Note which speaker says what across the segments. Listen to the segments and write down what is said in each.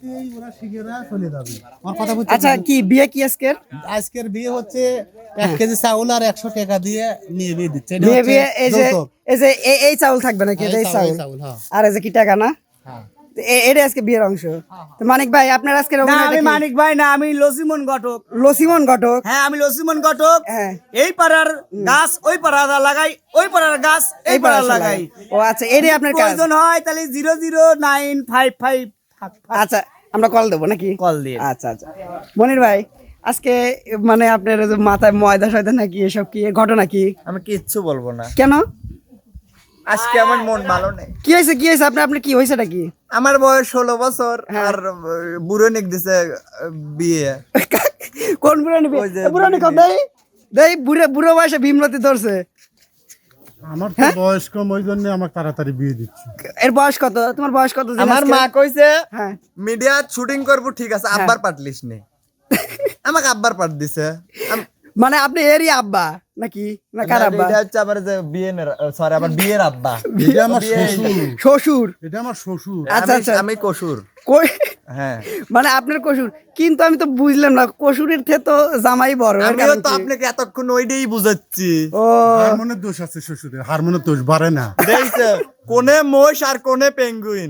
Speaker 1: আসতেই ওরা শিখেরা চলে যাবে। আমার কথা বুঝছেন?
Speaker 2: আচ্ছা কি বিয়ে কি আজকের?
Speaker 1: আজকের বিয়ে হচ্ছে 1 কেজি চাউল আর 100 টাকা দিয়ে নিয়ে বিয়ে দিচ্ছে। এটা
Speaker 2: বিয়ে
Speaker 1: হচ্ছে
Speaker 2: বিয়ে এই যে
Speaker 1: যৌতুক।
Speaker 2: এই চাউল থাকবে নাকি?
Speaker 1: হ্যাঁ,
Speaker 2: এই
Speaker 1: এই
Speaker 2: চাউল
Speaker 1: চাউল, হ্যাঁ।
Speaker 2: আর এই যে কি টাকা না?
Speaker 1: হ্যাঁ।
Speaker 2: তো এটা আজকে বিয়ের অংশ। তো মানিক ভাই আপনার আজকের
Speaker 3: না
Speaker 2: অভিনয়টা
Speaker 3: আমি
Speaker 2: কি?
Speaker 3: মানিক ভাই না, আমি লসিমন ঘটক।
Speaker 2: লসিমন ঘটক।
Speaker 3: হ্যাঁ আমি লসিমন ঘটক।
Speaker 2: হ্যাঁ।
Speaker 3: এই পাড়ার গাছ ওই পাড়া লাগাই, ওই পাড়ার গাছ এই পাড়া লাগাই।
Speaker 2: ও আচ্ছা এটাই আপনার কাজ।
Speaker 3: প্রয়োজন হয় তাহলে 00955
Speaker 2: আচ্ছা আমরা কল দেবো নাকি?
Speaker 3: কল দিয়ে।
Speaker 2: আচ্ছা আচ্ছা মনির ভাই আজকে মানে আপনার ওই যে মাথায় ময়দা সয়দা নাকি এসব কি ঘটনা কি?
Speaker 4: আমি কিচ্ছু বলবো না,
Speaker 2: কেন?
Speaker 4: আজকে আমার মন ভালো নেই।
Speaker 2: কি হয়েছে আপনার কি হয়েছেটা কি?
Speaker 4: আমার বয়স 16 বছর
Speaker 2: হ্যাঁ।
Speaker 4: আর বুড়ো নিক দিছে বিয়ে।
Speaker 2: কোন বুড়ানি
Speaker 4: ওই যে
Speaker 2: বুড়ানি কত দেই দেই বুড়ো বয়সে ভীমরতি ধরছে।
Speaker 1: আমার তো বয়স কম, ওই জন্য আমাকে তাড়াতাড়ি বিয়ে দিচ্ছে।
Speaker 2: এর বয়স কত? তোমার বয়স কত?
Speaker 4: আমার মা কইছে
Speaker 2: হ্যাঁ
Speaker 4: মিডিয়া শুটিং করবো, ঠিক আছে, আব্বার পাটলিস নে। আমাকে আব্বার পাট দিছে।
Speaker 2: মানে আপনি এরই আব্বা নাকি না কার আব্বা?
Speaker 4: এটা হচ্ছে আমার যে বিয়ে, সরি আমার বিয়ের আব্বা।
Speaker 1: এটা আমার
Speaker 4: বিয়ে-
Speaker 1: শ্বশুর।
Speaker 2: শ্বশুর।
Speaker 1: এটা আমার শ্বশুর।
Speaker 2: আচ্ছা,
Speaker 4: আমি-
Speaker 2: আচ্ছা।
Speaker 4: আমি কসুর।
Speaker 2: কই
Speaker 4: হ্যাঁ
Speaker 2: মানে আপনার কসুর, কিন্তু আমি তো বুঝলাম না কসুরের থেকে তো জামাই বড়। এর
Speaker 4: আমিও
Speaker 2: কারণ
Speaker 4: তো
Speaker 2: কি?
Speaker 4: আপনাকে এতক্ষণ ওইটাই বুঝাচ্ছি।
Speaker 2: ও
Speaker 1: হারমোনের দোষ আছে শ্বশুরের, হারমোনের দোষ বাড়ে না।
Speaker 4: দেখছে কোনে মোষ আর কোনে পেঙ্গুইন।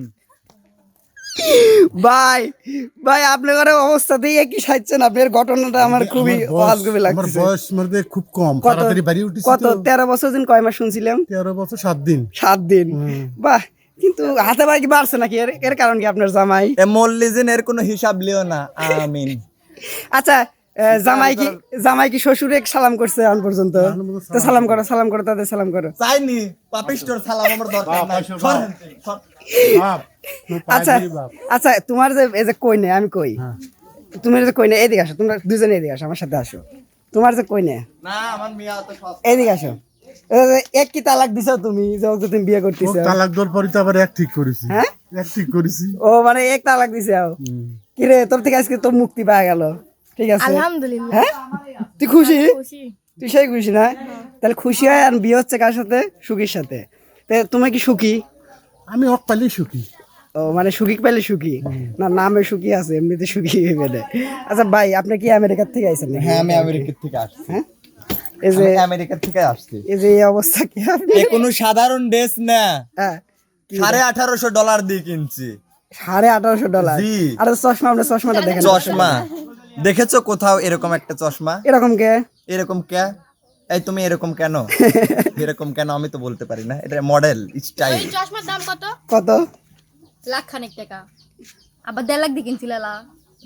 Speaker 2: ভাই ভাই আপনার ঘরে অবস্থাতেই একই সাজছেন। আপনার ঘটনাটা আমার খুবই অজগবি
Speaker 1: আমার
Speaker 2: লাগছে।
Speaker 1: বয়স মধ্যে খুব কম,
Speaker 2: কত
Speaker 1: তাড়াতাড়ি বাড়ি উঠেছি
Speaker 2: কত
Speaker 1: তো।
Speaker 2: 13 বছর দিন কয় মাস শুনছিলাম?
Speaker 1: 13 বছর 7 দিন।
Speaker 2: 7 দিন। বাহ, কিন্তু হাতে ভাই কি বাড়ছে নাকি? এর কারণ কি আপনার জামাই?
Speaker 4: এ মল্লিজিন এর কোনো হিসাব লিও না। আমিন।
Speaker 2: আচ্ছা জামাই কি শ্বশুরে সালাম করছে আন পর্যন্ত? তো সালাম করো তাদের সালাম করো।
Speaker 4: চাইনি পাপিস্টর সালাম আমার দরকার নাই। সরেন, সর।
Speaker 1: বাপ,
Speaker 2: আচ্ছা
Speaker 1: বাপ।
Speaker 2: আচ্ছা তোমার যে এই যে কই নে আমি কই, তুমি যে কই নে এদিকে আসো, তোমরা দুজনে এদিকে আসো, আমার সাথে আসো। তোমার যে কই নে
Speaker 4: না আমার মিয়া তো সব।
Speaker 2: এদিকে আসো। এই যে এক কি তালাক দিছো তুমি, যে ওকে তুমি বিয়ে
Speaker 1: ও
Speaker 2: করতেছো?
Speaker 1: তালাক দেওয়ার পরই তো আবার এক ঠিক করেছি।
Speaker 2: হ্যাঁ?
Speaker 1: এক ঠিক করেছি।
Speaker 2: ও মানে এক তালাক দিছে। কি রে, তোর থেকে আজকে তো মুক্তি পাওয়া গেল। ঠিক আছে
Speaker 5: আলহামদুলিল্লাহ।
Speaker 2: হ্যাঁ তুই খুশি?
Speaker 5: খুশি।
Speaker 2: তুই সেই খুশি না? তাহলে খুশি হয়। আর বিয়ে হচ্ছে কার সাথে? সুখীর সাথে। তা তুমি কি সুখী?
Speaker 1: আমি অকালেই সুখী।
Speaker 2: ও মানে সুখী পেলে সুখী না, নামে সুখী আছে, এমনিতে সুখী পেলে। আচ্ছা ভাই আপনি কি আমেরিকার থেকে আইছেন নাকি?
Speaker 4: হ্যাঁ আমি আমেরিকা থেকে আসছি।
Speaker 2: হ্যাঁ এই যে
Speaker 4: আমি আমেরিকা থেকে আসছি।
Speaker 2: এই যে এই অবস্থা কি আপনি?
Speaker 4: এ কোনো সাধারণ ড্রেস না,
Speaker 2: হ্যাঁ
Speaker 4: $1850 দিয়ে কিনছি।
Speaker 2: $1850।
Speaker 4: জি।
Speaker 2: আর চশমা, আপনার চশমাটা দেখেন।
Speaker 4: চশমা দেখেছো কোথাও এরকম একটা চশমা?
Speaker 2: এরকম কে?
Speaker 4: এরকম কে? এই তুমি এরকম কেন? এরকম কেন আমি তো বলতে পারি না, এটা মডেল স্টাইল।
Speaker 5: এই চশমার দাম কত?
Speaker 2: কত?
Speaker 5: লাখ খানেক টাকা। আবার 1.5 লাখ দিয়ে কিনছিল লা।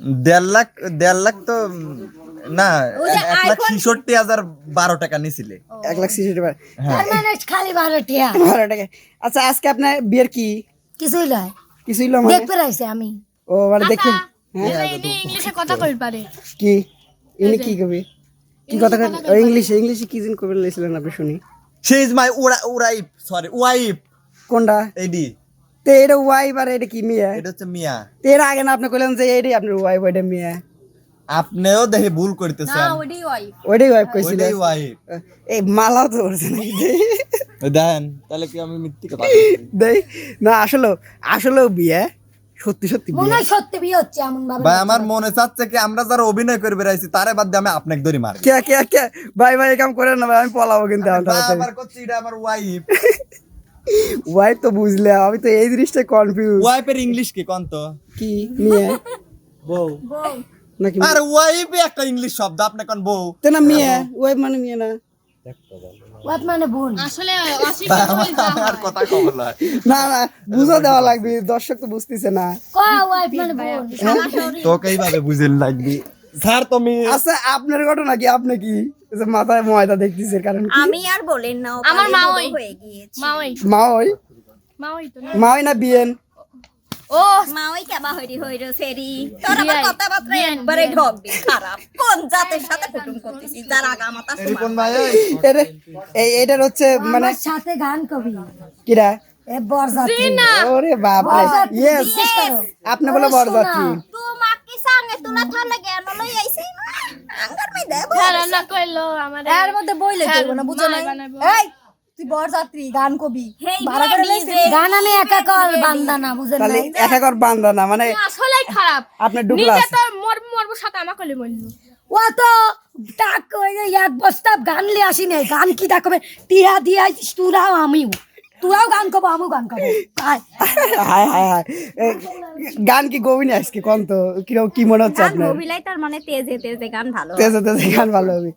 Speaker 4: 1.5 লাখ তো না,
Speaker 5: ওই যে
Speaker 4: 1,66,000 12 টাকা নিছিলে।
Speaker 2: 1,60,000।
Speaker 5: তার মানে খালি 12 টিয়া।
Speaker 2: 12 টাকা। আচ্ছা আজকে আপনার বিয়ের কি
Speaker 5: কিছুই নয়।
Speaker 2: কিছুই লো মানে?
Speaker 5: দেখতে রাইছে আমি।
Speaker 2: ও মানে দেখি
Speaker 5: ইনি ইংলিশে কথা কই পারে।
Speaker 2: কি ইনি কি কবি কি কথা ও ইংলিশে কি জিন কবি লাইছিলেন আপনি শুনি?
Speaker 4: She is my wife, sorry wife.
Speaker 2: কোনটা?
Speaker 4: এইডি,
Speaker 2: তে এটা ওয়াইফ আর এটা কি মিয়া?
Speaker 4: এটা হচ্ছে মিয়া।
Speaker 2: তে এর আগে না আপনি কইলেন যে এইটাই আপনার ওয়াইফ, ওইটা মিয়া।
Speaker 4: আপনিও দেখে ভুল
Speaker 5: না
Speaker 4: করতেছেন।
Speaker 5: ওডি ওয়াইফ।
Speaker 2: ওইটাই ওয়াইফ কইছিল।
Speaker 4: ওইটাই ওয়াইফ।
Speaker 2: এই মালাও তো করছে নাকি?
Speaker 4: দেন তাহলে কি আমি মিথ্যে কথা বলছি?
Speaker 2: দেই না, আসলেও বিয়ে, সত্যি সত্যি
Speaker 5: মনে
Speaker 2: বিয়ে।
Speaker 5: হয় সত্যি বিয়ে হচ্ছে এমন ভাবে।
Speaker 4: ভাই আমার মনে চাচ্ছে কি আমরা যারা অভিনয় করে বেড়াইছি তারে বাদ দিয়ে আমি আপনাকে ধরি মারি।
Speaker 2: কে ভাই ভাই কাম করেন না ভাই, আমি পলাবো কিন্তু
Speaker 4: ভাই আমার করছি এটা আমার ওয়াইফ।
Speaker 2: ওয়াইফ তো বুঝলে, আমি তো এই জিনিসটা কনফিউজ।
Speaker 4: ওয়াইফের ইংলিশ কি কোন তো?
Speaker 2: কি মিয়া
Speaker 4: বউ।
Speaker 5: বউ।
Speaker 2: নাকি?
Speaker 4: আর ওয়াইফ একটা ইংলিশ শব্দ, আপনি কোন বউ?
Speaker 2: তে না মিয়া, ওয়াইফ মানে মিয়া না?
Speaker 5: ওয়াইফ মানে বোন।
Speaker 6: আসলে অস্বীকার করে যা
Speaker 4: আমার কথা কবল হয়।
Speaker 2: না বুঝা দেওয়া লাগবে, দর্শক তো বুঝতেছে না।
Speaker 5: কয় ওয়াইফ মানে বোন।
Speaker 4: তোকে এইভাবে বুঝেন লাগবি স্যার তুমি।
Speaker 2: আচ্ছা আপনার ঘটনা কি? আপনি কি এই যে মাথায় ময়দা দেখতেছে কারণ কি?
Speaker 7: আমি আর বলেন না, ও
Speaker 6: আমার
Speaker 7: কালে
Speaker 6: মা
Speaker 7: বড়
Speaker 6: ওই।
Speaker 7: হয়ে গিয়েছে।
Speaker 6: মা ওই তো না।
Speaker 2: মা ওই না বিয়েন?
Speaker 6: ও
Speaker 7: মা ওই কেবা হইরি হইরো সেরি, তোর আবার
Speaker 6: বিয়াই,
Speaker 7: কথাবার্তা
Speaker 6: বিয়ান,
Speaker 7: একবারে
Speaker 6: বিয়ান।
Speaker 7: ঢক দি খারাপ। কোন জাতের সাথে কুটুম করতেছিস যার আগামাতা সমান?
Speaker 4: কোন ভাই?
Speaker 2: এটার হচ্ছে মানে
Speaker 5: আমার সাথে গান কবি।
Speaker 2: কিরা?
Speaker 5: এ বরযাত্রী।
Speaker 2: ওরে বাপ রে,
Speaker 5: বরযাত্রী,
Speaker 2: ইয়েস
Speaker 5: বিশ্বাস করো।
Speaker 2: আপনি বলে
Speaker 5: ওরে
Speaker 2: বরযাত্রী।
Speaker 5: শোনা।
Speaker 7: তোমাক কি সঙ্গে তুলা থালে জ্ঞান লই আইছি আঙ্গার মে দেব।
Speaker 6: হ্যাঁ রান্না করলো আমাদের।
Speaker 5: এর মধ্যে বইলে
Speaker 6: হ্যাঁ,
Speaker 5: কইবো না, বুঝো নাই?
Speaker 6: মায় বানাবো।
Speaker 5: এই
Speaker 8: তুই বরযাত্রী গান কবি
Speaker 7: হেই
Speaker 8: ভাড়া করে লইছিস?
Speaker 9: গান আমি একা কর বান্দা না বুঝেন
Speaker 2: তাহলে
Speaker 9: নাই
Speaker 2: একা কর বান্দা না মানে
Speaker 6: আসলেই খারাপ
Speaker 2: আপনার ডুবলা
Speaker 6: নিজে
Speaker 2: আছে।
Speaker 6: তো মরবো সাথে আমাকে মরলো
Speaker 9: ও তো টাক ওই যে এক বস্তা গান লিয়ে আসি নাই গান কি ডাকবে টিয়া দিয়া তোরাও আমিও তোরাও গান কব আমিও গান কব আয়।
Speaker 2: হায় হায় হায় এ, গান কি গবি না আজকে কোন তো কিরকম কি মনে হচ্ছে
Speaker 7: গান
Speaker 2: আপনার
Speaker 7: অভিলাই তার মানে তেজে তেজে গান ভালো
Speaker 2: তেজে তেজে গান ভালো হবে